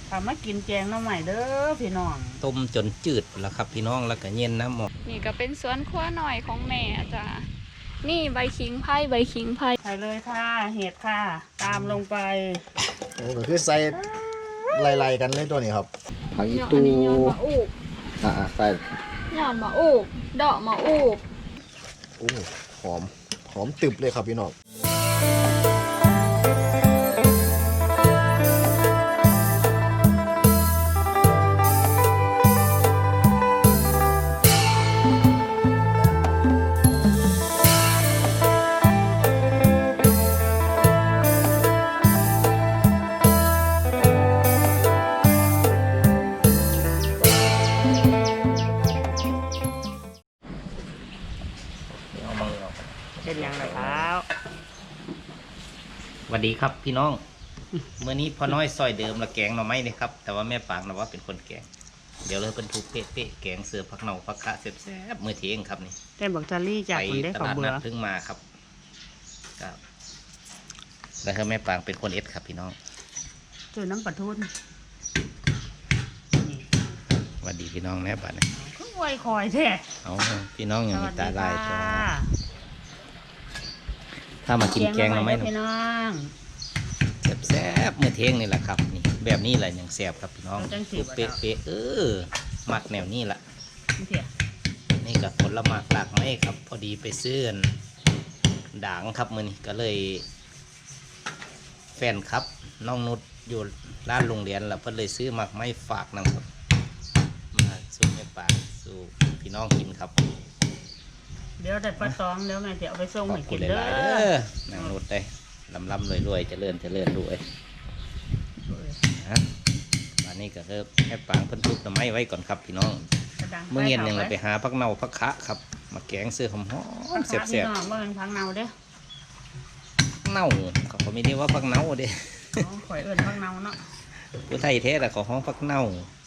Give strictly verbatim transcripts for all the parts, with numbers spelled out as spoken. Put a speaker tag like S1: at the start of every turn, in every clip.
S1: ทำมากินแกงน้ำใหม่เด้อพี่น้อง
S2: ต้มจนจืดแล้วครับพี่น้องแล้วก็เย็นน้ำหมด
S3: นี่ก็เป็นสวนครัวหน่อยของแม่จ้ะนี่ใบขิงไผ่ใบขิงไผ่
S1: ใส่เลยค่ะเห็ดค่ะตามลงไป
S4: โอ้ก็คือใส่ไล่ๆกันเลยตัวนี้ครับผักอีตู
S3: ยอดมะอูบ
S4: อ่าใส่
S3: ยอดมะอูบดอกมะอูบ
S4: โอ้หอมหอมตึบเลยครับพี่น้อง
S1: เป็นยังไงครับ
S2: สวัสดีครับพี่น้อง เมื่อนี้พ่อน้อยซอยเดิมละแกงหน่อไม้นี่ครับแต่ว่าแม่ปางนะว่าเป็นคนแกงเดี๋ยวเลยเป็นทุกเป๊ะๆแกงเสือผักเน่าผักคะแซ่บๆเมื่อเที่ยงครับนี่
S1: แต่บอกจารี่จากคนได้
S2: ไปต
S1: ของ
S2: ลาด
S1: เบื่
S2: นั
S1: อ
S2: ดถึงมาครับครับแล้วคือแม่ปางเป็นคนเอ็ดครับพี่น้อง
S1: เจอน้ำปลาทูน
S2: สวัสดีพี่น้องแน่บัดนี้
S1: ก็ไวคอยแท้
S2: เอาพี่น้องอย่างมีตาลายตัว
S1: สวัสดีค่ะ
S2: ถ้ามากินแกงหน่อไม้
S1: พี่น้อง
S2: แซ่บๆเมื่อเที่ยงนี่แหละครับนี่แบบนี้แหละอย่างแซ่บครับพี่น้องเป๊ะๆเออมักแนวนี้แหละนี่กับผลไม้หลากไม้ครับพอดีไปซื้อด่างครับมือนี้ก็เลย แฟนครับน้องนุชอยู่ร้านโรงเรียนแล้วเพิ่นเลยซื้อหมักไม้ฝากนะครับมาสู่แม่ปางสู่พี่น้องกินครับ
S1: เดี๋ยวได้ปลาตองเดี๋ยวแม่จะเอาไปส่ง
S2: ขอ
S1: ให้
S2: บคุ
S1: กิ
S2: ณ
S1: น
S2: ห
S1: เด้
S2: ลายๆ
S1: อ
S2: เด้อนางนุชได้ลำลำรวยรวยเจริญเจริญรวยฮะวันนี้ก็เริ่มแม่ปางเพิ่นทุบหน่อไม้ไว้ก่อนครับพี่น้องเมื่อเย็นหนึ่งเราไปหาพักเน่าพักคะครับมาแกงเสื้อหอมๆแซ่บ
S1: พี่น้องว่าเป็นพังเนาเด้อ
S2: ๆเน่าเขาก็ไม่ได้ว่าพักเน่าเด้
S1: ข่อยเอิญพังเนาเนาะ
S2: ผู้ไทยแท้แต่ขอห้องพักเน่า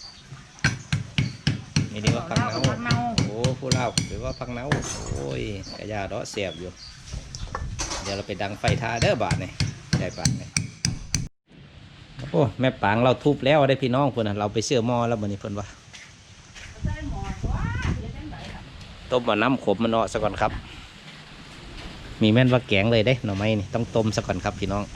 S2: ไม่ได้ว่าพักเน่าโอ้ผู้เล่าหรือว่าพักเน่าโอ้ยกระยาดอเสียบอยู่เดี๋ยวเราไปดังไฟทาเด้อบาทนี่ได้บาทนี่โอ้แม่ปางเราทุบแล้วได้พี่น้องเพื่อนเราไปเชื่อหม้อแล้ววันนี้เพื่อนว่าต้มมาน้ำขมมันเนาะซะก่อนครับมีแม่นว่าแกงเลยเด้หน่อไม้นี่ต้องต้มซะก่อนครับพี่น้อง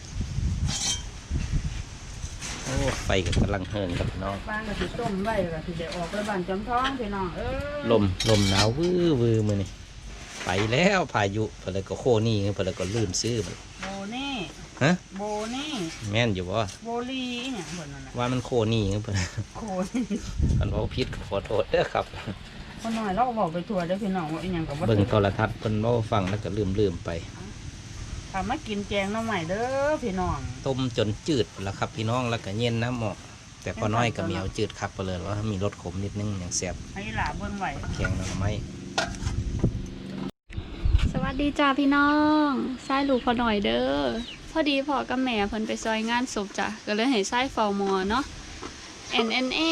S2: โอ้ไฟก็กำลังเฮินครับพี่น้อง
S1: บ้านก็สิต้มไว้ก็สิได้ออกไปบ้านจอมท้องพี่น้องเออ
S2: ลมลมหนาววื้อวื้อมือนี่ไปแล้วพายุเพื่อนก็โคนี่เพื่อนก็ลื่นซื้อมัน
S1: โบนี่
S2: ฮะ
S1: โบนี่
S2: แม่นอยู่บ่
S1: โบลีเนี่ยเพิ่นนั่นน่ะ
S2: ว่ามันโคนี่เพื่อน
S1: โคนี่
S2: มันบอกพิษก็ขอโทษเด้อครับ
S1: คนน้อยเราก็บอกไปทัวร์เด้อพี่น้องว่าอีหยังก็บ่
S2: เบิ่งโทรทัศน์เพิ่นเว้าฟังแล้วก็ลืมลืมไป
S1: ทำมากินแกงน้ำใหม่เด้อพี่น้อง
S2: ต้มจนจืดแล้วครับพี่น้องแล้วก็เย็นน้ำหมอกแต่พอน้อยก็มีเอาจืดคักไปเลยว่ามีรสขมนิดนึงอย่างแซ่บ
S1: ให้หลาเบิ่งไว้
S2: แกงหน่อไม้
S3: สวัสดีจ้าพี่น้องไส้ลูกพอหน่อยเด้อพอดีพ่อกับแม่เพิ่นไปซอยงานศพจ้ะก็เลยให้ไส้เฝ้าหมอเนาะ เอ็น เอ็น เอ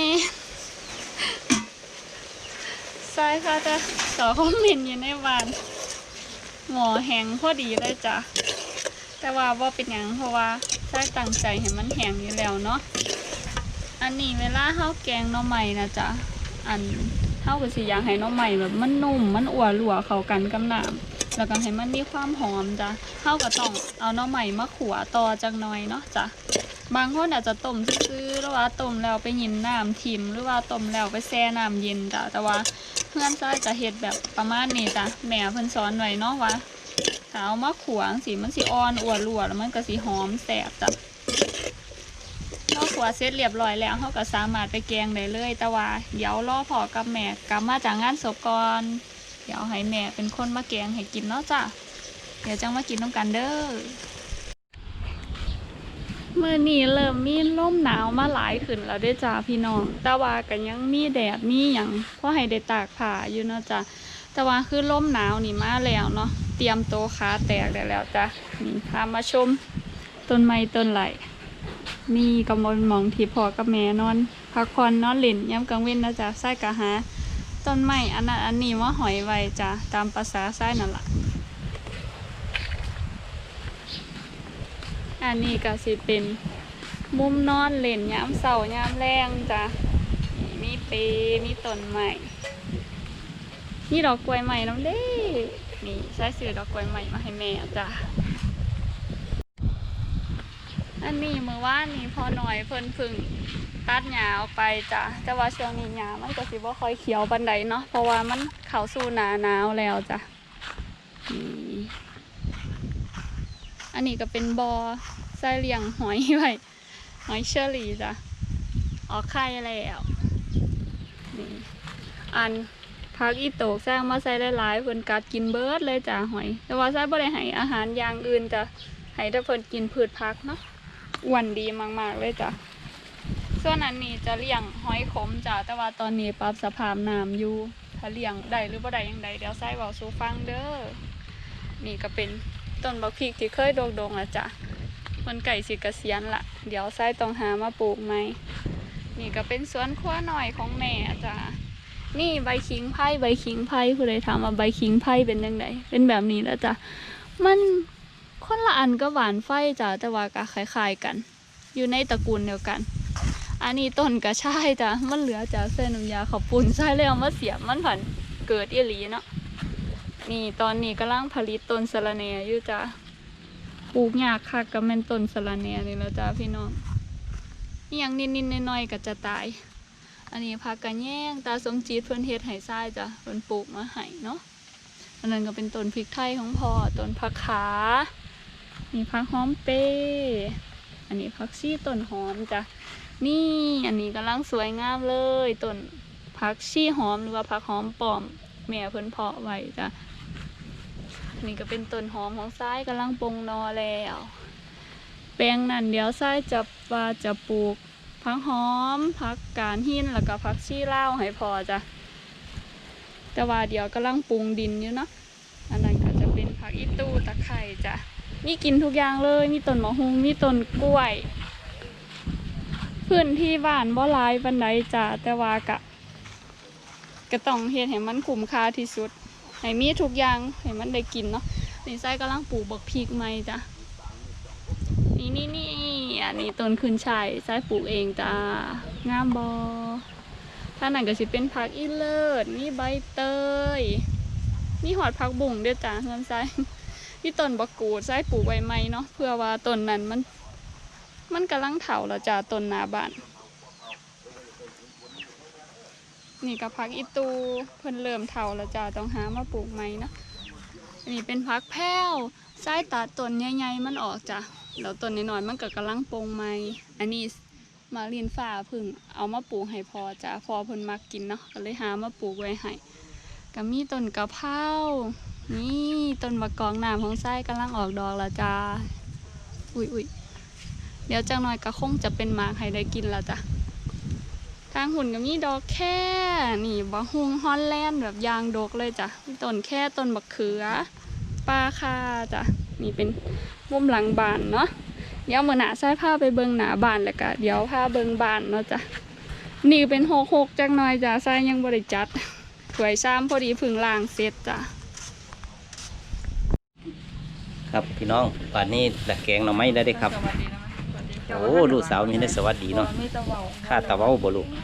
S3: ไส้ค่ะจะต่อคอมเมนต์อยู่ในบ้านหมอแห้งพอดีเลยจ้ะแต่ว่าว่าเป็นหยังเพราะว่าไส้ตั้งใจให้มันแห้งอยู่แล้วเนาะอันนี้เวลาเฮาแกงหน่อไม้นะจ๊ะอันเฮาก็สิอยากให้หน่อไม้แบบมันนุ่มมันอ้วนหลัวเข้ากันกับน้ำแล้วก็ให้มันมีความหอมจ้ะเฮาก็ต้องเอาหน่อไม้มาขั่วต่อจักหน่อยเนาะจ้ะบางคนอาจจะต้มซื่อๆหรือว่าต้มแล้วไปยินน้ำทิมหรือว่าต้มแล้วไปแช่น้ำเย็นจ้ะแต่ว่าเพื่อนซ้ายจะเฮ็ดแบบประมาณนี้จ้ะแม่เพิ่นสอนไว้เนาะว่าถ้าเอามาขั่วสิมันสิอ่อนอ้วนหลัวแล้วมันก็สิหอมแซ่บจ้ะพอขั่วเสร็จเรียบร้อยแล้วเขาก็สามารถไปแกงได้เลยแต่ว่าเดี๋ยวรอพ่อกับแม่กลับมาจากงานศพก่อนเดี๋ยวให้แม่เป็นคนมาแกงให้กินเนาะจ้ะเดี๋ยวจังมากินน้ำกันเด้อเมื่อนี้เริ่มมีลมหนาวมาหลายขึ้นแล้วด้วยจ้าพี่น้องแต่ว่าก็ยังมีแดดมีอย่างเพราะให้ได้ตากผ้าอยู่เนาะจ้ะแต่ว่าคือลมหนาวนี่มาแล้วเนาะเตรียมโตขาแตกได้แล้วจ้ะนี่พามาชมต้นไม้ต้นไหลนี่กำมลมองที่พ่อกับแม่นอนพักผ่อนนอนหลินย้ำกลางเว้นนะจ๊ะไส้กะหาต้นไม้อันนั้นอันนี้ว่าหอยไว้จ้ะตามภาษาไส้นั่นแหละอันนี้ก็สิเป็นมุมนอนเล่นยามเสาร์ยามแรงจ้ะมีเปมีต้นไม้นี่ดอกกล้วยใหม่น้ำเด้นี่ใช้ซื้อดอกกล้วยใหม่มาให้แม่จ้ะอันนี้เมื่อวานนี้พอหน่อยเพิ่นพึ่งตัดหญ้าออกไปจ้ะแต่ว่าช่วงนี้หญ้ามันก็สิบ่ค่อยเขียวปานใดเนาะเพราะว่ามันเข้าสู่หน้าหนาวแล้วจ้ะนี่อันนี้ก็เป็นบ่อใส่เลี้ยงหอยไว้หอยเชอรี่จ้ะออกไข่แล้วนี่อันพักอีโตกสร้างมาใส่หลายๆเพิ่นกัดกินเบิดเลยจ้ะหอยแต่ว่าใส่บ่ได้ให้อาหารอย่างอื่นจ้ะให้แต่เพิ่นกินพืชผักเนาะอ้วนดีมากๆเลยจ้ะส่วนอันนี้จะเลี้ยงหอยขมจ้ะแต่ว่าตอนนี้ปรับสภาพน้ำอยู่ถ้าเลี้ยงได้หรือบ่ได้ยังไงเดี๋ยวใส่เว้าสู่ฟังเด้อนี่ก็เป็นต้นบักพริกที่เคยโด่งๆอ่ะจ้ะมันไก่สิเกษียณละเดี๋ยวใส่ต้องหามาปลูกไหมนี่ก็เป็นสวนครัวหน่อยของแม่จ้ะนี่ใบขิงไผ่ใบขิงไผ่ผู้ใดถามว่าใบขิงไผ่เป็นยังไงเป็นแบบนี้แล้วจ้ะมันคนละอันก็หวานไฟจ้ะแต่ว่าก็คล้ายๆกันอยู่ในตระกูลเดียวกันอันนี้ต้นกระชายจ้ะมันเหลือจากเส้นน้ำยาข้าวปุ้นใส่แล้วมาเสียบมันผันเกิดอีหลีเนาะนี่ตอนนี้กำลังผลิตต้นสะระแหน่อยู่จ้ะปลูกยากค่ะก็แม่นต้นสะระแหน่นี่แล้วจ้ะพี่น้องนี่ยังนิดๆน้อยๆก็จะตายอันนี้ผักกระแยงตาสมจีดเพิ่นเฮ็ดให้ทรายจ้ะเพิ่นปลูกมาให้เนาะอันนั้นก็เป็นต้นพริกไทยของพ่อต้นผักขานี่ผักหอมเปอันนี้ผักชีต้นหอมจ้ะนี่อันนี้กำลังสวยงามเลยต้นผักชีหอมหรือว่าผักหอมป้อมแม่เพิ่นเพาะไว้จ้ะนี่ก็เป็นต้นหอมของทรายกำลังปงนอแล้วแปลงนั่นเดี๋ยวทรายจะว่าจะปลูกผักหอมผักกาดหินแล้วก็ผักชีลาวให้พอจ้ะแต่ว่าเดี๋ยวกำลังปรุงดินอยู่เนาะอันนั้นก็จะเป็นผักอีตูตะไคร้จ้ะมีกินทุกอย่างเลยมีต้นมะฮุงมีต้นกล้วยพื้นที่บ้านบ่หลายปานใดจ้ะแต่ว่ากะก็ต้องเฮ็ดให้มันคุ้มค่าที่สุดให้มีทุกอย่างให้มันได้กินเนาะนี่ไส้กำลังปลูกบักพริกใหม่จ้ะนี่นี่นี่อันนี้ต้นขึ้นช่ายไส้ปลูกเองจ้างามบอถ้านั่นก็สิเป็นผักอีเลิศมีใบเตยมีหอดผักบุ้งด้วยจ้ะเงินไส้ที่ต้นบักกูดไส้ปลูกไว้ใหม่เนาะเพื่อว่าต้นนั้นมันมันกำลังเถาแล้วจ้ะต้นหน้าบ้านนี่กับผักอีตูเพิ่นเริ่มเถาแล้วจ้ะต้องหามาปลูกใหม่เนาะอันนี้เป็นผักแพ้วไส้ตัดต้นใหญ่ๆมันออกจ้ะแล้วต้นน้อยๆมันก็กำลังปงใหม่อันนี้มาเรียนฝ่าพึ่งเอามาปลูกให้พอจ้ะพอเพิ่นมักกินเนาะก็เลยหามาปลูกไว้ให้ก็มีต้นกะเพรานี่ต้นมะกอกน้ำของไส้กำลังออกดอกแล้วจ้าอุ้ยอุ้ยเดี๋ยวจังหน่อยก็คงจะเป็นหมากให้ได้กินแล้วจ้ะทางหุ่นก็มีดอกแค่นี่บะฮุงฮอลแลนด์แบบยางดกเลยจ้ะต้นแค่ต้นบักเขือปลาคาจ้ะนี่เป็นมุมหลังบ้านเนาะเดี๋ยวมื้อหน้าใส่ผ้าไปเบิ่งหน้าบ้านแล้วก็เดี๋ยวผ้าเบิ่งบ้านเนาะจ้ะนี่เป็นหกหกจังหน่อยจ้ะใส่ยังบ่ได้จัดถวยซ้ำพอดีพึ่งล้างเสร็จจ้ะ
S2: ครับพี่น้องป่านนี้ดักแกงหน่อไม้ได้ได้ครับโอ้ลูกสาวมีได้สวัสดีเนาะข้าตะเว้าบ่ลูก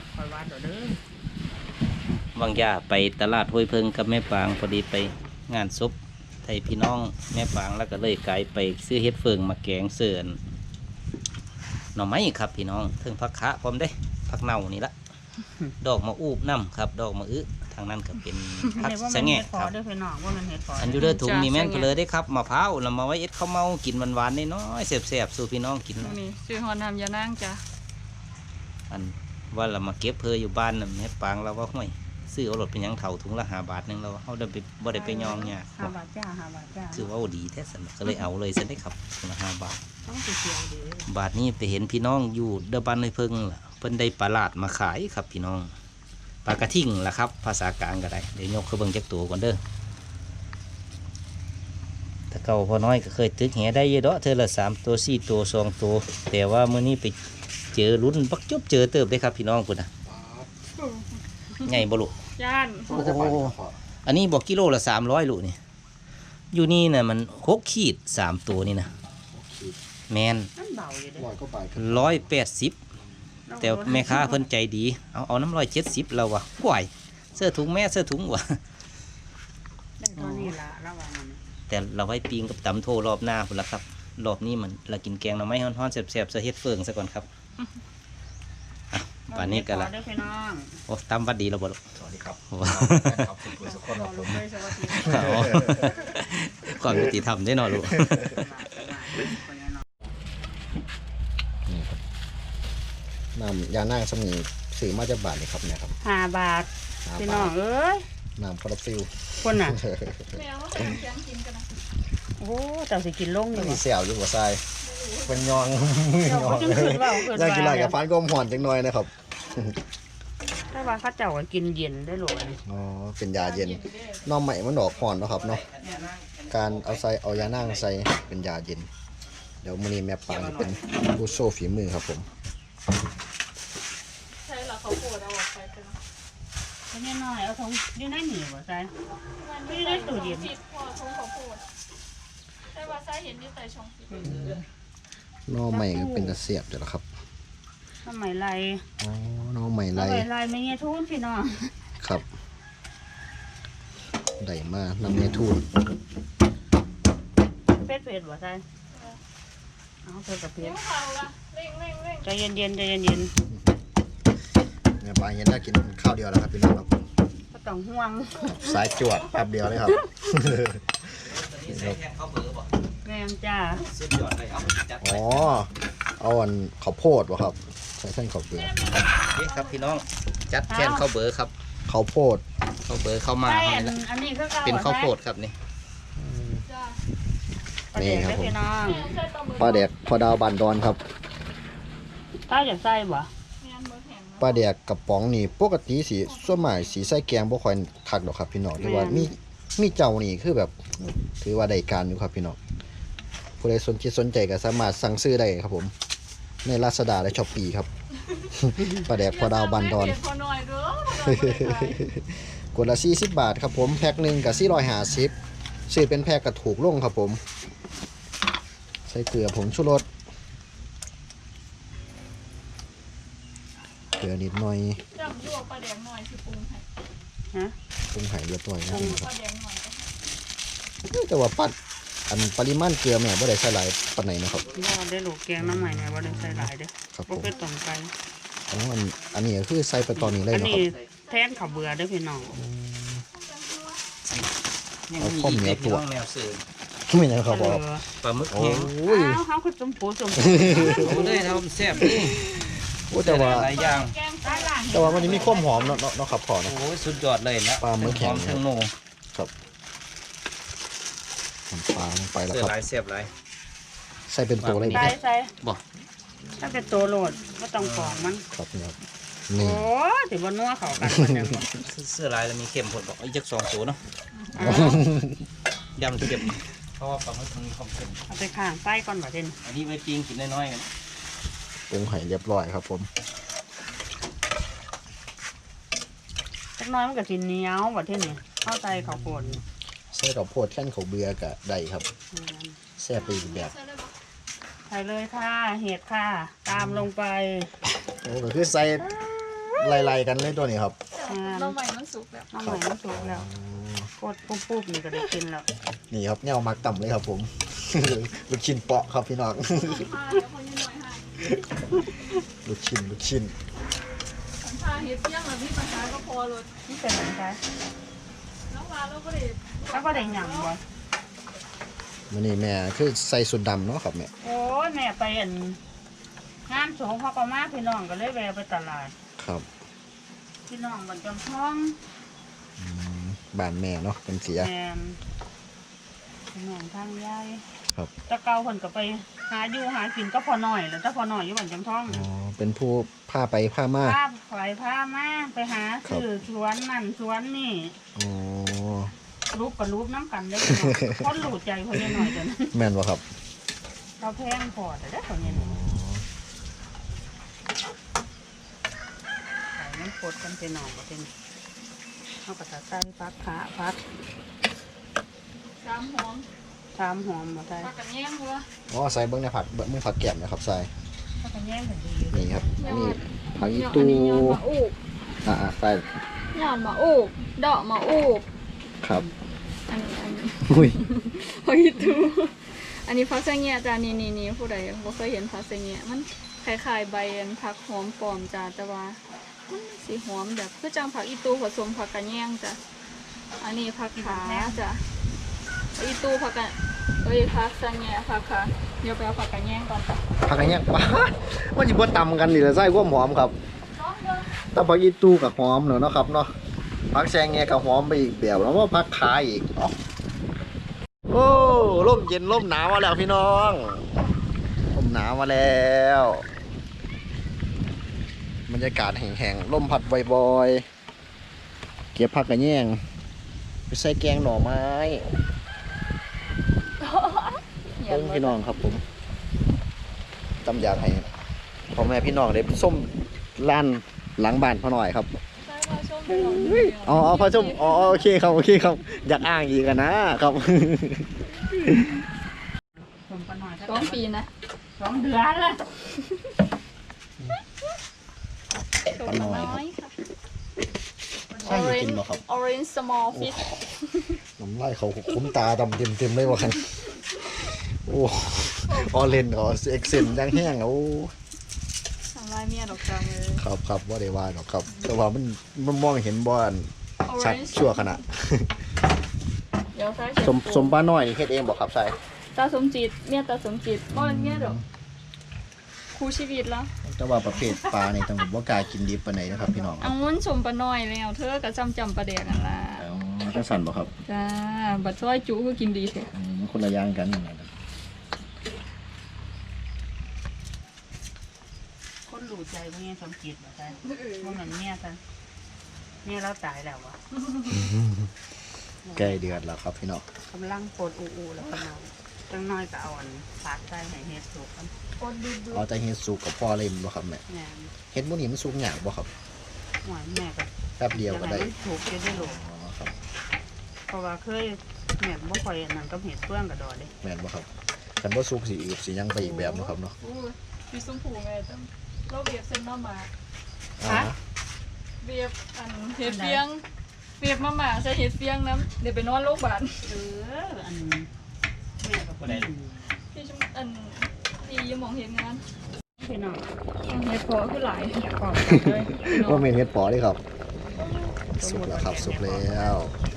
S2: บางย่าไปตลาดห้วยเพิงกับแม่ปางพอดีไปงานศพไทยพี่น้องแม่ปางแล้วก็เลยกลายไปซื้อเฮ็ดเฟืองมาแกงเสื่อนหน่อไม้ครับพี่น้องถึงผักคะพร้อมได้ผักเน่านี่ละดอกมะอูบน้ำครับดอกมะอึทางนั้นก็เป็นผักสะแงะครับอันยูเดอร์ถุงนี่แม่นก็เลยได้ครับมะพร้าวเรามาไว้เอ็ดข้าวเมากินหวานๆน้อยๆแซ่บๆสู่พี่น้องกิน
S3: นี่ซื้อฮอนทำยานั่งจ้ะ
S2: อันว่าเรามาเก็บเพออยู่บ้านน่ะแม่ปางเราว่าห้วยซื้อเอารถเป็นยังเท่าถุงละห้าบาทนึงเราเขาได้ไปบ่ได้ไปยองเนี่ย
S1: ห้าบาทจ้าห้าบาทจ้า
S2: คือว่าดีแท้สันก็เลยเอาเลยสันได้ครับถุงละห้าบาท
S1: ต้องเสียดี
S2: บาทนี้ไปเห็นพี่น้องอยู่เดบ้านในเพิ่งล่ะเพิ่นได้ปลาลาดมาขายครับพี่น้องปลากระทิ่งล่ะครับภาษากลางก็ได้เดี๋ยวยกเขาเบิ่งจักตัวก่อนเด้อถ้าเก่าพอน้อยก็เคยตึกแหได้เยอะเด้อเธอละสามตัวสี่ตัวสองตัวแต่ว่ามื้อนี้ไปเจอลุ้นบักจบเจอเติบได้ครับพี่น้องพุ่นน่ะใหญ่บ่ลูก
S3: ย่าน
S2: โอ้โหอันนี้บอกกิโลละสามร้อยลูกนี่อยู่นี่น่ะมันหกขีดสามตัวนี่นะแมน
S1: มันเบาอยู่เด้
S4: ร้อยก็ไป
S2: ร้อยแปดสิบแต่แม่ค้าเพิ่นใจดีเอาเอาน้ำร้อยเจ็ดสิบเราวะกวยเสื้อถุงแม่เสื้อถุงวะ
S1: ได้เท่านี้ละระวังมัน
S2: แต่เราไว้ปีงกับตำโทรอบหน้าพุ่นละครับรอบนี้มันเรากินแกงหน่อไม้ฮ้อนๆแซ่บๆเสเฮ็ดเฟืองซะก่อนครับอ่ะป่านนี้ก็ละ
S1: ได้พี่น้อง
S2: โอ้ตำวัดดีแล้วบ่ลูก
S4: สวัสดีครับ
S2: โอ้
S4: ครับสุขุมสุขคนครับผม
S1: เลยสวัสดี
S2: เอาความยุติธรรมได้เนาะลูก
S4: น้ำยานั่งสมีสื่อมาจากบาทเลยครับเนี่ยครับ
S1: ห้าบาท
S4: ห้า
S1: พี่
S4: บาท
S1: น้องเอ้ย
S4: น้ำคาราฟิล
S1: คนน่ะ
S3: แมวว่าเป็นเสียงกินกันนะ
S1: โอ้เจ้าสิกินลงอยู่
S4: มี
S1: บ่
S4: เสี่ยวอยู่หัวทรายเป็นยองมือ
S1: เจ้าย
S4: อ
S1: ก็
S4: ง
S1: จังขึ้นว่าเกิด
S4: ย่างกินไร
S1: ว่า
S4: กับฟันก้มห่อนจังน้อยนะครับ
S1: แต่ว่าเขาเจ้าก็กินเย็นได้หรอนี่
S4: อ๋อเป็นยาเย็นน้องใหม่มันดอกห่อนเนาะครับเนาะการเอาใส่เอายานั่งใส่เป็นยาเย็นเดี๋ยวมื้อนี้แม่ปางจะเป็นผู้โชว์ฝีมือครับผม
S3: ใช่เหรอเขาโกรธเอาออกไปกันนะ
S1: ก็น้อยๆเอาทงอยู่ในนี่บ่ใช่
S3: มันไม่ได้ตู้เย็นผิดพอชงเขาโกรธแต่ว่าไส้เห็นอยู่แต่ชงผิด
S4: น้องใหม่ก็เป็นตะเสียบเดี๋ยวละครับ
S1: ทำไมไร
S4: อ๋อน้องใหม่
S1: ทำ
S4: ไร
S1: ไมไรไม่เงี้ยทุนพี่น้อง
S4: ครับได้มากน้ำเมทูน
S1: เป็ดเป็ดบ่ใช่เอาเป็ดกับเป็ด
S3: นิ้วเขาละเร่งเร่งเร่ง
S1: ใจเย็นๆใจเย็น
S4: แม่ปางเห็นได้กินข้าวเดียวแล้วครับพี่น้องครับ
S1: ๆก็ต้องห่วง
S4: สายจวดแป๊บเดียวเลยครับ
S2: ใส่แทนข้าวเบอร์บ่
S1: แม่นจ้า
S2: สุดยอดเลยเอาจัดไป
S4: อ๋อเอาอันข้าวโพดวะครับใส่เส้นข้าวเปลือก
S2: นี่ครับพี่น้องจัดแทนข้าวเบอร์ครับ
S4: ข้าวโพด
S2: ข้าวเบอร์เข้ามา
S1: ใช่
S2: ให้
S1: อัน
S2: ละ
S1: อันนี้คือเก่า
S2: เป็นข้าวโพดครับนี่
S3: จ้า
S1: ประเด็นได้พี่น้อง
S3: แมวใส่ปลาหมึก
S4: ปลาแดกพอดาวบานดอนครับ
S1: ถ้าอยากใส่บ่
S3: แมวเบอร์แข็งนะ
S4: ปลาแดกกระป๋องนี่ปกติสีส่วนใหม่สีใส่แกงบ่ค่อยคักดอกครับพี่น้องแต่ว่ามีมีเจ้านี่คือแบบถือว่าได้การอยู่ครับพี่น้องผู้ใดสนใจสนใจก็สามารถสั่งซื้อได้ครับผม ในลาซาด้าและช้อปปี้ครับ ปลาแดกพอดาวบานดอน
S3: เดี๋ยวพอหน่อยเด้อก
S4: ดละสี่สิบบาทครับผมแพ็คหนึ่งกับสี่ร้อยห้าสิบซื้อเป็นแพ็คกับถูกลงครับผม ใส่เกลือผงชูรสเกลือนิดหน่อย
S3: จำยั่วปลาแดงหน่อยสิปรุงให้
S1: ฮะ
S4: ปรุงไห่เรียบร้อยนะค
S3: ป
S4: รับ
S3: ลาแดงหน่อยก็
S4: แต่ว่าปัดอันปริมาณเกลือแม่บ่ได้ใส่หลายปานไหนนะครับ
S1: บ่ได้ลูกแกงน้ำใหม่เนี่ยบ่ได้ใส่หลายเด้อ
S4: ครับผ
S1: บ่
S4: ม
S1: เป็นต้มไก่
S4: อ๋ออันอันนี้ก็คือใส่ไปตอนนี้เลย
S1: อัน
S4: เนาะ
S1: นี้
S4: ครับ
S1: แทนข้าวเบื่อเด้อพี่น้อง
S2: ยังมีอีกเลยพี่น้องแนวสื่อ
S4: ไม่นะครับบ
S1: เอ
S4: อก
S1: อ
S2: ปลาหมึก
S4: โอ้
S2: แห้ง
S4: ย
S1: อ้าวเฮาคือจุ่มปูจุ่ม
S2: เอาเลยทำแซ่บนี่
S4: โอ้แต่ว่า
S2: หลายอย่าง
S3: แกง
S1: ใต้ล่าง
S4: แต่ว่ามันจะมีความหอมเนาะเนาะเนาะครับพ่อเนาะ
S2: โอ้ยสุดยอดเลยนะ
S4: ปลาหมึกแห้ง
S2: หอมทั้งโน
S4: น้ำปลาลงไปแล้ว
S2: เสื้อ
S4: ครับ
S2: ลายแซ่บลาย
S4: ใส่เป็นตัวเลย
S1: ใส่ใส่
S2: บ่
S1: ถ้าเป็นตัวโหลดบ่ต้องกรองมัน
S4: ครับนี่ครับ
S1: โอ้
S4: นี่
S1: สิบ่นัวเข้ากันมันจังบ่
S2: เสื้อลายแล้วมีเข็มผดบอกอีกจักสองตัวเนาะ
S1: อ้าวย
S2: ำเข็มเพราะว่าปลาหมึกมันมีความเค็ม
S1: เอาไปข้างใต้ก่อนบ่เด่น
S2: อันนี้ไว้ปิ้งกินน้อยๆกัน
S4: ปรุงไห่เรียบร้อยครับผม
S1: จักหน้อยมันก็สิเหนียวบ่เท่นี่เข้าใจข้าวโพดนี่
S4: ใส่ข้าวโพดแค่นข้าวเบื่อกับได้ครับ
S1: อืม
S4: แซ่บไปอีกแบบ
S3: ใส่ได้ปะ
S1: ใส่เลยค่ะเห็ดค่ะ ตามลงไป
S4: โอ้ก็คือใส่ไล่ๆกันเลยตัวนี้ครับ
S1: อ่า
S3: เราใหม่มันสุกแล้ว
S1: น้ำใหม่มันสุกแล้วกดปุ๊บๆนี่ก็ได้กินแล้ว
S4: นี่ครับเนี่ยเอามักต่ำเลยครับผม ลูกชิ้นเปาะครับพี่น้อง
S3: ผ้าเดี๋ยวคนยังหน่อยให้
S4: ลูกชิ้นลูกชิ้น
S3: ฉันผ้าเฮ็ดเที่ยงแล้วมีปัญหาก็พอเลย
S1: นี่เป็นอะไรคะ
S3: แล้วมาแล้วก็ได้
S1: แล้วก็ได้หยังบ่
S4: มันนี่แม่คือใส่สุดดำเนาะครับแม่
S1: โอ้ยแม่ไปอันงานสงเขาก็มาพี่น้องก็เลยแวะไปตลาด
S4: ครับ
S1: พี่น้องบันจำท้อง
S4: อืมบ้านแม่เนาะเป็นเสีย
S1: แมนพี่น้องทางยาย
S4: ครับ
S1: แตะเกาเพิ่นก็ไปหาอยู่หากินก็พอหน่อยแล้วถ้าพอหน่อยอยู่บันจำท้อง
S4: อ๋อเป็นผู้พาไปพามา
S1: พาไปพามาไปหาซื้อสวนนั่นสวนนี่
S4: อ๋อ
S1: รูปกับรูปน้ำกันได้พี่น้องคนหลูดใจคนนี้หน่อยจน
S4: แม่นบ่ครับ
S1: เราแพงพอแต่ได้คนนี้หน่อยใส่น้ำกดกันไปหน่อยก็เป็นเขาก็จะใส่พักขาพัก
S3: สามหอม
S1: สถามหอมบ่ใส่
S3: ผักกระแยงวะ
S4: อ๋อใส่เบิ้งในผัดเบิ้งมือผัดแก้มนะครับใส่
S1: ถ้ากันแย่งกันดีอยู่
S4: นี่ครับนี่ผักอี
S3: ยอด
S4: ตู
S3: อันนี้ยอดมะอูบ
S4: อ่าใส่
S3: ยอดมะอูบดอกมะอูบ
S4: ครับ
S3: อันนี้อันนี้
S4: อุ้ย
S3: เฮ้ยทูอันนี้ผักเสงี่ยจ้านี่นี่นี่ผู้ใดบ่เคยเห็นผักเสงี่ยมันคล้ายๆใบอันผักหอมปลอมจ้าแต่ว่ามันสีหอมแบบคือจังผักอีตูผสมผักกระแยงจ้ะอันนี้ผักขาจ้ะผักอีตูผักกระเอ้ยผักเสงี่ยผักขาเดี๋ยวไปเอาผักกระแยงก่อนจ้ะ
S4: ผักอะไรเงี้ยว้ามันจะบ่ตำกันนี่แหละใส่ความหอมครับแตผักอีตูกับหอมเนอะเนาะครับเนาะผักแซงเงี้ยกับหอมไปอีกแบบแล้วว่าผักขาอีกเนาะโอ้ร่มเย็นร่มหนาวมาแล้วพี่น้องร่มหนาวมาแล้วบรรยากาศแห้งๆร่มพัดบ่อยๆเก็บผักกระแยงไปใส่แกงหน่อไม้เพิ่งพี่น้องครับผมจำอยากให้พ่อแม่พี่น้องได้ส้มร้านหลังบ้านพ่อหน่อยครับ
S3: ใช่ว่าชมไปลองดูเดียว
S4: อ๋อพ่อส้มอ๋อโอเคครับโอเคครับอยากอ้างอีกอะนะครับ
S1: สมกันหน่อย
S3: สองปีนะ
S1: สองเดือนเลย
S3: ชมน้อยค่ะ
S4: ใช่กินบ่ครับ
S3: orange small fish
S4: น้ำลายเขาคุ้มตาดำเต็มเต็มๆเลยว่ะครับโอ้ออเรนอ๋อเอ็กเซนยังแห้งแล้ว
S3: ทำลายเมียดอกจังเลย
S4: ครับครับว่าได้ว่าหรอกครับ แต่ว่ามันมันมองเห็นบอนชัด
S3: orange
S4: ชั่วขณะ
S3: เดี๋ยวใส่
S4: สมสมป้าน้อยนี่เฮ็ดเองบอกครับใช่
S3: ตาสมจิตเมียตาสมจิตบ่เป็นเมียดอกครูชีวิตแล้ว
S4: แต่ว่าประเภทปลาในต้องบ่กล้ากินดิบปานใดนะครับพี่น้อง
S3: อังมันชมปลาน้อยแล้วเธอก็จำจำปลาแดกกันล่ะ
S4: อ๋อจังสั่นบ่ครับ
S3: จ้าบัดซอยจุคือกินดีแท้
S4: อืมคนละอย่างกันนะครับ
S1: คนหลูใจว่าไงสมจิตบ่ใส่ว่ามันเมียซะเมียเราตายแล้ววะ
S4: ใกล้เดือดแล้วครับพี่น้อง
S1: กำลังปวดอูอูแล้วกำลังจังน้อยก็เอาอันฝาดใส่ให้เฮ็ดสุกกัน
S3: กดดูดู
S4: เอาแต่เฮ็ดสุกกับพ่อเลยบ่ครับแม่
S1: แม่
S4: เฮ็ดมื้อนี้มันสุกยากบ่ครับ
S1: หวานแม่ก็
S4: แป๊บเดียวก็ได้
S1: มันถูกจะได้โล
S4: อ๋อครับ
S1: เพราะว่าเคยแม่บ่ค่อยอันนั้นก็เห็ดเฟื่องกระดอเลย
S4: แม่นบ่ครับคันบ่สุกสิอืดสิหยังไปอีกแบบเนาะครับเนาะ
S3: อู้มีสมผูไงจ้ะเราเบียบเส้นมาหมา
S4: อ๋อ
S3: เบียบอันเห็ดเฟียงเบียบมาหมาใส่เห็ดเฟียงน้ำเดี๋ยวไปนอนโรงพยาบาล
S1: เอออันแม่ก็บ่ได้
S3: ที่ชุมอันที่ยมองเห็นงาน
S1: พี่น้อง
S3: เห็ดพอคือหลาย
S1: ขอบเลย
S4: ว่าเมนเฮ็ดปอเด้ครับ สุกแล้วครับสุกแล้ว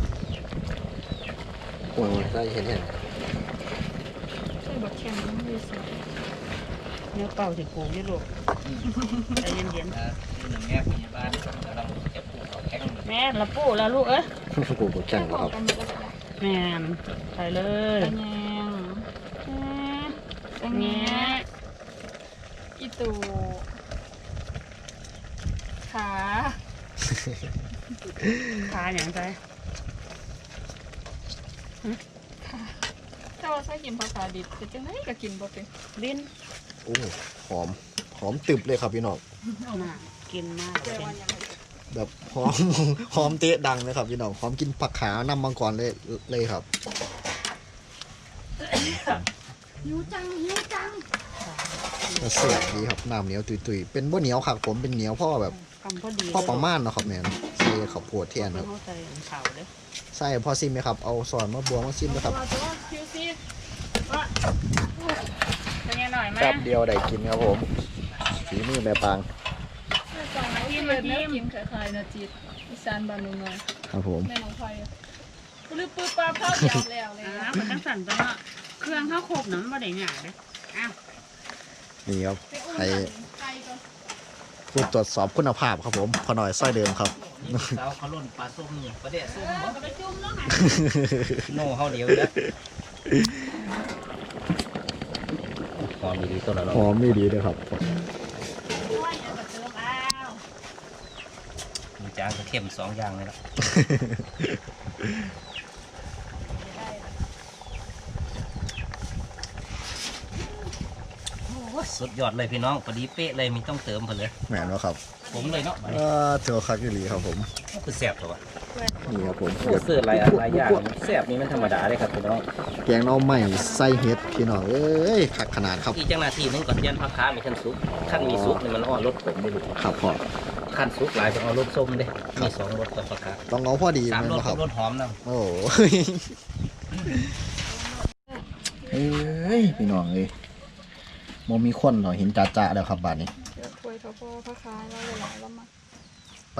S4: โอ้ยได้เห็นเห็น
S3: ใส่บักแข็งน้ำดีสิ
S1: เนื้อเป่าสิปลูกอยู่ลูกใจเย็น
S2: หนึ่งแง่พยาบาลกำลังจะปลูกเอาแข็ง
S1: ๆแม่ละปูแล้วลูกเอ้ย
S4: กูกดแข่งแล้วครับ
S3: กันก็ได้
S1: แม่นใส่เลย
S3: กระแยงกระแยงอีตูขา
S1: ขาอย่างไร
S3: ถ้าว่าใส่กินภาษาดิบจะจังไดก็กินบ่เป็น
S1: ลิ้น
S4: โอ้หอมหอมตึบเลยครับพี่น้อง
S1: น่ะกินมาก
S3: แต่
S1: เป็น
S3: ว่ายังไม่
S4: แบบหอม หอมเตะดังเลยครับพี่น้องหอมกินผักขานำมังกรเลยเลยครับ
S3: หิวจังหิวจัง
S4: แต่เสียบดีครับน้ำเหนียวตุยๆเป็นบ่เหนียวครับผมเป็นเหนียวพ่อแบบ
S1: คำพอดี
S4: พ่อประมาณเนาะครับแม่นใส่ข้าวโพดเทียนครับ
S1: เข้าใจเขาเด้อ
S4: ใส่พอซิมไหมครับเอาซอนมะบวงมาซิมนะครับ
S3: ว่าตัวคิวซีว่า
S1: เป็นยังหน่อยไหม
S4: แป๊บเดียวได้กินครับผมฝีมือแม่ปาง
S3: แม่จังที่มันแม่กินคล้ายๆนะจิตอีสานบ้านนุ่งน้อย
S4: ครับผม
S3: แม่น้องไฟลือปื้อปลาเผาเดียวแล้วเลย
S1: อ่ามันตั้งสั่นจังเนาะเครื่องข้าวโคกนั้นบ่ได้ง่ายเด้ออ้าว
S4: นี่ครับ
S3: ไปอุ้ม
S4: ให้
S3: ไก่ก่อน
S4: ผู้ตรวจสอบคุณภาพครับผมพอหน่อยสร้อยเดิมครับ
S2: สาวเขาล่นปลาส้มนี่ประเดี๋ยวส้ม
S3: เออ
S2: บ่
S3: ก็ไปจุ่มแล้วไง
S2: โน่เขาเดียวแล้วหอมดีๆตัวละเนาะ
S4: หอมไม่ดีเลยครับ
S1: โอ้ยอย่ากระเจิงอ้าว
S2: มีจางกับเข้มสองอย่างเลยละ
S1: โอ้ย
S2: สุดยอดเลยพี่น้องพอดีเป๊ะเลยมีต้องเติมเพิ่นเลย
S4: แม่นบ่ครับ
S2: ผมเลยเนาะ
S4: เออเถื่อคักอีหลีครับผม
S2: คือแซ่บตัววะ
S4: นี่ครับผม
S2: โอ้เสื้อหลายอันหลายอย่างแซ่บนี่มันธรรมดาเลยครับพี่น้อง
S4: แกงหน่อไม้ใส่เห็ดพี่น้องเอ้ยคักขนาดครับ
S2: อีกจังนาทีหนึงก่อนยันพักค้ามีขั้นซุปขั้นมีซุปนี่มันอ่อนรสผมไม่รู้
S4: ครับพ่อ
S2: ขั้นซุปหลายจะเอารสส้มเด้มีสองรสกับพักค้า
S4: ต้องเอาพอดี
S2: สาม
S4: แม่น
S2: รส
S4: บ่ครับ
S2: รสหอมนะ
S4: โอ้ยเอ้ยพี่น้องเอ้ยบ่มีคนเหรอเห็นจ่าๆแล้วครับบาดนี้
S3: เดี๋ยวถ้วยทอพ่อพระคายแล้วหลายๆแล้วมา
S4: ไป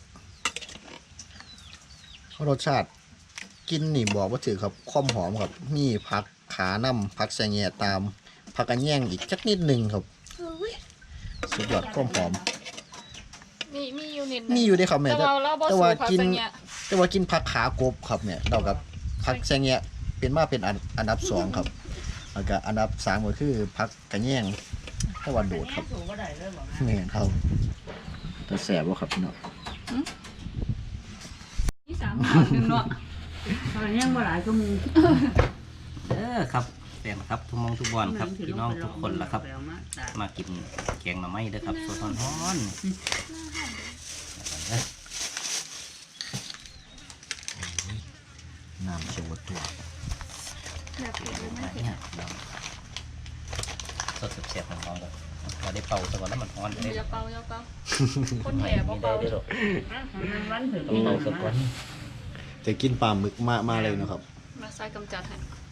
S4: รสชาติกินนี่บอกว่าถือครับความหอมครับ มีผักขาน้ำผักแสงแง่ตามผักกระแยงอีกจักนิดหนึงครับสุดยอดความหอม
S3: มีมีอยู่นิด
S4: มีอยู่เด้ครับแม่
S3: แต่
S4: แต่
S3: ว่าเราบ่
S4: แต่
S3: สู
S4: ว่า
S3: ผัก
S4: กิน
S3: สังเงี้ย
S4: แต่ว่ากินผักขากบครับเนี่ยเรากับผักแสงแง่เป็นมาเป็นอันอันดับสองครับแล้วก็อันดับสามก็คือผักกระแยงแต่ว่าโดดครับ
S1: สูงก็ได้เลยบอก
S4: แม่นครับแต่แสบว่าครับพี่น้อง
S3: ที่สามขวดหนึงเนาะ
S1: ตอนนี้ยังบ่หลายก็มู
S2: เออครับแซ่บครับทุกมองทุกบอลครับพี่น้องทุกคนละครับ มากินแกงหน่อไม้เด้อครับสดร้อนๆ
S4: น้ำเชียวตัว
S3: แบบเผ็ดหรือไม่เผ็ด
S2: เนี่ยเราสดเสียบๆของเราเลยเราได้เป่าซะก่อนแล้วมันร้อนเลย
S3: อย่าเป่าอย่าเป่าคนแห่บ่
S2: ไม่ได้
S3: เป่า
S2: ด้วยหรอก
S1: มันวันถึง
S2: ต้องเป่าซะก่อน
S4: จะกินปลาหมึกมามาเลยเนาะครับ
S3: มาใส่กำจัดให้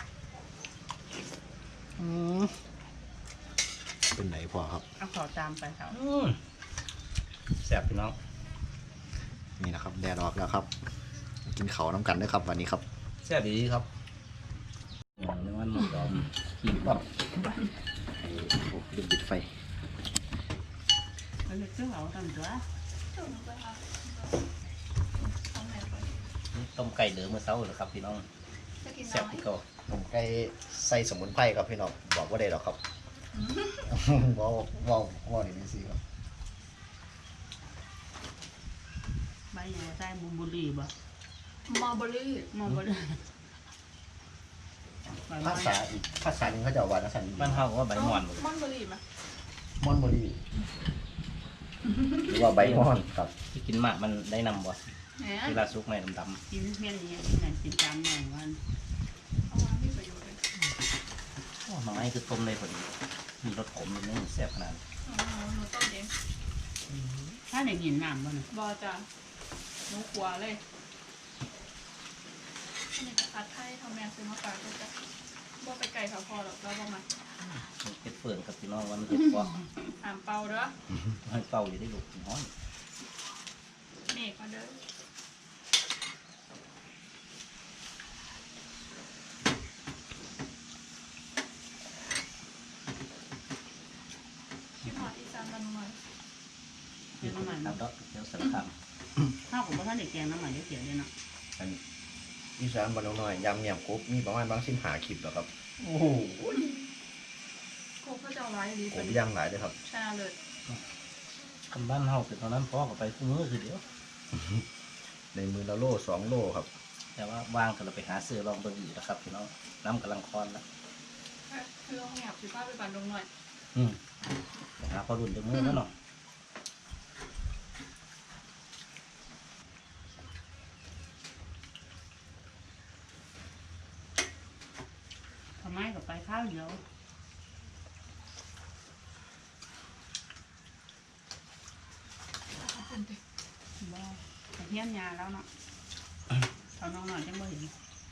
S4: เป็นไหนพอครับ
S1: เอาขอตามไปเขา
S2: อืมแซ่บพี่น้อง
S4: นี่นะครับแดดออกแล้วครับ กินเขาวน้ำกันด้วยครับวันนี้ครับ
S2: แซ่บดีครับในวันหมดดอมขีดปั๊บ
S4: โอ้ลืมปิดไฟ
S1: เขาจะซื้อเอาตามตัว
S2: นี่ต้มไก่เหลือเมื่อเช้าเลยครับพี่น้อง
S3: จะกิน
S2: แซ่บ
S3: น้อย
S2: ที่เก่า
S4: ผมใกล้ใส่สมุนไพรครับพี่น้องบอกว่าได้หรอกครับบอกบอกบอกนี่นี่สิครับ
S1: ใบใหญ่ใส่บุบุรีบ่
S3: มอร์เบอรี่
S1: มองบ่ได้
S4: ภาษาอีกภาษาหนึงเขาจะเอาว่าภาษา
S2: บ้านเฮาก็ว่าใบหมอน
S3: มอนเบอรี่มา
S4: มอนโบรีหรือว่าใบมอนครับ
S2: ที่กินมากมันได้นำบ่
S3: แหม
S2: เวลาซุกในดำ
S1: กินเพี้ยนนี้กินไหนกินตามหน่อยวัน
S3: เอามามีประโยชน์เลย
S2: ๆโอ้หน่อไม้คือต้มเลยพอดีมีรสขมนิดนึงแซ่บขนาด
S3: อ๋อหนูต้มเอง
S1: ถ้าได้กินน้ำบ่น่ะ
S3: บอจ้ะหนูกลัวเลยนี่จะผัดไทยทำแม่ซื้อมาฝากด้วยจ้ะบ่ไปไก่เขาพอหรอกแล้วบ่มา
S2: เฮ็ดเปิ่นครับพี่น้องวันเฮ็ดบ่
S3: หามเป่าเด้อ
S2: ให้เป่าอยู่ได้ลูกน้อย
S3: เมฆมาเด้อที่หอดอีสานบ้านหน่อย
S1: เดี๋ยวน้ำมัน
S2: ครับดอกเดี๋ยวสารคาม
S1: ข้าวของพ่อท่านเด็กแกงน้ำมันเสียเลยเนาะ
S4: อันอีสานบ้านน้อยยำเมียมกบมีประมาณบางสิบหาคลิปแล้วครับโอ้โห
S3: โคกก็จะเอาไว้ดี
S4: ผ
S3: เป็น
S4: มย่างหลายเลยครับ
S3: ชาเลย
S2: คำบ้านเฮาเป็นตอนนั้นพ่อก็ไปคู่มือคือเดียว
S4: ในมือละโลสองโลครับ
S2: แต่ว่าว่างก็เราไปหาซื้อลองเบิ่งอีกนะครับพี่น้องน้ำกำลังคอนแล้ว
S3: คือเอาแหบสิป้าไปบันดงหน่อย
S2: อืมไปหาพอรุ่นเดี๋ยวมือแล้วเนาะ
S1: ทำไมกับไปข้าวเดียวบ่เพี้ยนยาแล้วเนาะเอาน้องหน่อยจังบ่เห็น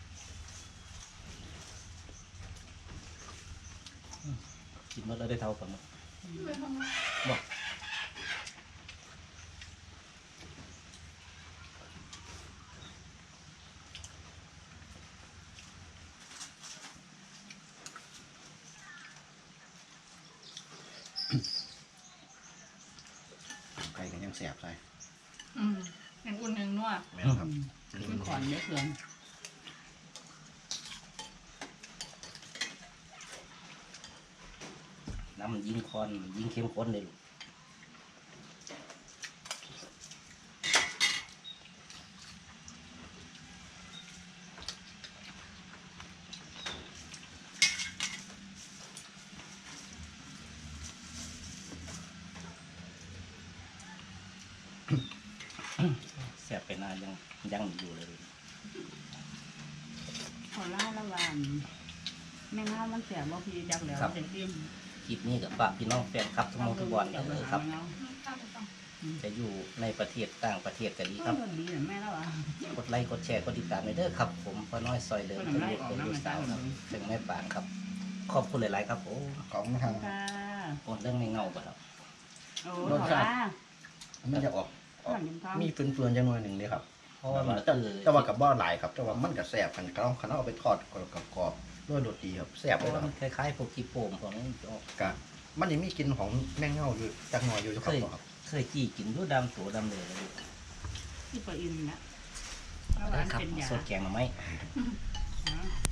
S2: กินหมดแล้วได้เท่ากันหมด
S3: ไม่ทำไม
S2: บ่
S4: ไก่กันยังแสบใส่
S3: อืมยังอุ่นยังนัว
S4: แม่นครับ
S1: กินขอนเยอะเกิน
S2: น้ำมันยิ่งคอนมันยิ่งเข้มข้นเลยลูกแซ่บไปนานยังยังอยู่เลย
S1: ขอเล่าละวันแม่เงามันเสียบ่พี่จักแล้วจะกิน
S2: คลิปนี้กับฝากพี่น้องแฟนครับทุกหมองทุกบอลเออครับ จะอยู่ในประเทศต่างประเทศก็ดีครับ
S1: ดีแม่แล้วอ่ะ
S2: กดไลค์กดแชร์กดติดตามไปเด้อครับ ผมพ่อน้อยซอยเดิมเป็นลูกเป็นลูกสาวครับถึงแม่ปางครับ ขอบคุณหลายๆครับโอ้
S4: ของทาง
S1: ค่ะ
S2: โอนเรื่องไม่เงาป่ะครับ
S1: โอ้ขอลา
S4: มันจะออกออก
S1: ขนมทอง
S4: มีเฟื่อนๆจังหน่อยหนึ่งเลยครับ
S2: เพราะว่ามัน
S4: แต่
S2: คือ
S4: แต่ว่ากับบ่หลายครับแต่ว่ามันก็แซ่บคันเขาคันเอาไปทอดกรอบๆด้วยโรตีครับแซ่บ
S2: เพ
S4: เลย
S2: ราะว่า
S4: ค
S2: มั
S4: รับ
S2: นคล้ายๆพวกกีโป่งของนี้
S4: กะมันยังมีกลิ่นของแมงเง่าอยู่จักหน่อยอยู่ครับครับ
S2: เคยจี้กินด้วยดำตัวดำเลยเลย
S1: ที่ปะอินนะ
S2: ได้ครับ
S1: เป็นยา
S2: สดแกงหน่อไม้